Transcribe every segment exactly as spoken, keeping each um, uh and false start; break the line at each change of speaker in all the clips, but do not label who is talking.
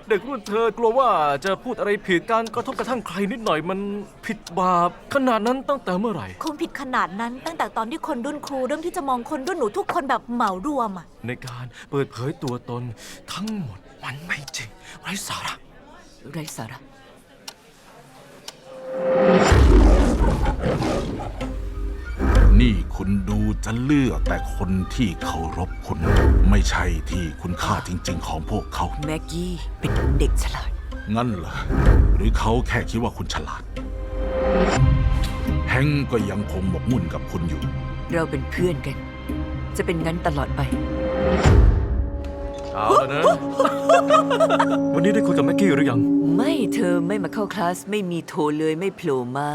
เด็กรุ่นเธอกลัวว่าจะพูดอะไรผิดการกระทบกระทั่งใครนิดหน่อยมันผิดบาปขนาดนั้นตั้งแต่เมื่อไหร่
คงผิดขนาดนั้นตั้งแต่ตอนที่คนรุ่นครูเริ่มที่จะมองคนรุ่นหนูทุกคนแบบเหมารวมอะ
ในการเปิดเผยตัวตนทั้งหมดมันไม่จริงไร้สาระ
ไร้สาระ
นี่คุณดูจะเลือกแต่คนที่เคารพคุณไม่ใช่ที่คุณค่าจริงๆของพวกเขา
แม็กกี้เป็นเด็กฉลาด
งั้นเหรอหรือเขาแค่คิดว่าคุณฉลาดแฮงก์ก็ยังคงหมกมุ่นกับคุณอยู่
เราเป็นเพื่อนกันจะเป็นงั้นตลอดไป
เอาแล้วนะ วันนี้ได้คุยกับแม็กกี้หรือยัง
ไม่เธอไม่มาเข้าคลาสไม่มีโทรเลยไม่โผล่มา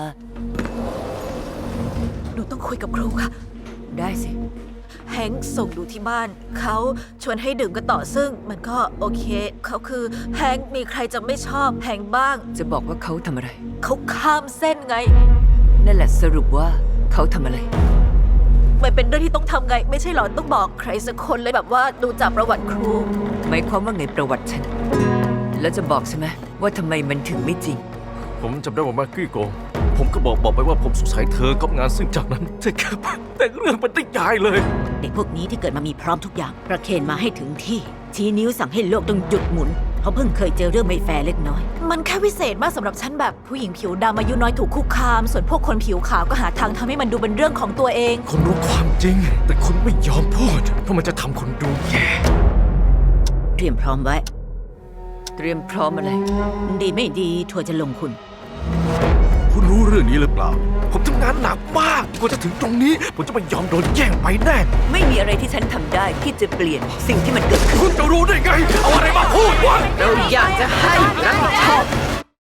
หนูต้องคุยกับครูค่ะ
ได้สิ
แฮงค์ส่งดูที่บ้านเขาชวนให้ดื่มกันต่อซึ่งมันก็โอเคเขาคือแฮงค์มีใครจะไม่ชอบแฮงค์บ้าง
จะบอกว่าเขาทำอะไร
เขาข้ามเส้นไง
นั่นแหละสรุปว่าเขาทำอะไร
มันเป็นเรื่องที่ต้องทำไงไม่ใช่หรอต้องบอกใครสักคนเลยแบบว่าดูจากประวัติครู
หมายความว่าไงประวัติฉันแล้วจะบอกใช่ไหมว่าทำไมมันถึงไม่จริง
ผมจำได้ว่าแม็กกี้โกงผมก็บอกบอกไปว่าผมสงสัยเธอกับงานซึ่งจากนั้นเธอแค่แต่เรื่องมันได้ยายเลย
เด็กพวกนี้ที่เกิดมามีพร้อมทุกอย่างประเคนมาให้ถึงที่ชี้นิ้วสั่งให้โลกต้องหยุดหมุนเพราะเพิ่งเคยเจอเรื่องไม่แฟร์เล็กน้อย
มันแค่วิเศษมากสำหรับฉันแบบผู้หญิงผิวดำอายุน้อยถูกคุกคามส่วนพวกคนผิวขาวก็หาทางทำให้มันดูเป็นเรื่องของตัวเอง
คุณรู้ความจริงแต่คุณไม่ยอมพูดเพราะมันจะทำคนดูแย่
เตรียมพร้อมไว้
เตรียมพร้อมอะไร
ดีไม่ดีทัวร์จะลงคุณ
คุณรู้เรื่องนี้หรือเปล่าผมทำงานหนักมากกว่าจะถึงตรงนี้ผมจะไม่ยอมโดนแย่งไปแน่
ไม่มีอะไรที่ฉันทำได้ที่จะเปลี่ยนสิ่งที่มันเกิดขึ้น
คุณจะรู้ได้ไงเอาอะไรมาพูดวะ
เราอยากจะให้รับผิดชอบ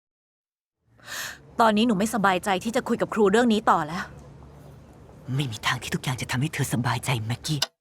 ตอนนี้หนูไม่สบายใจที่จะคุยกับครูเรื่องนี้ต่อแล้ว
ไม่มีทางที่ทุกอย่างจะทำให้เธอสบายใจแม็กกี้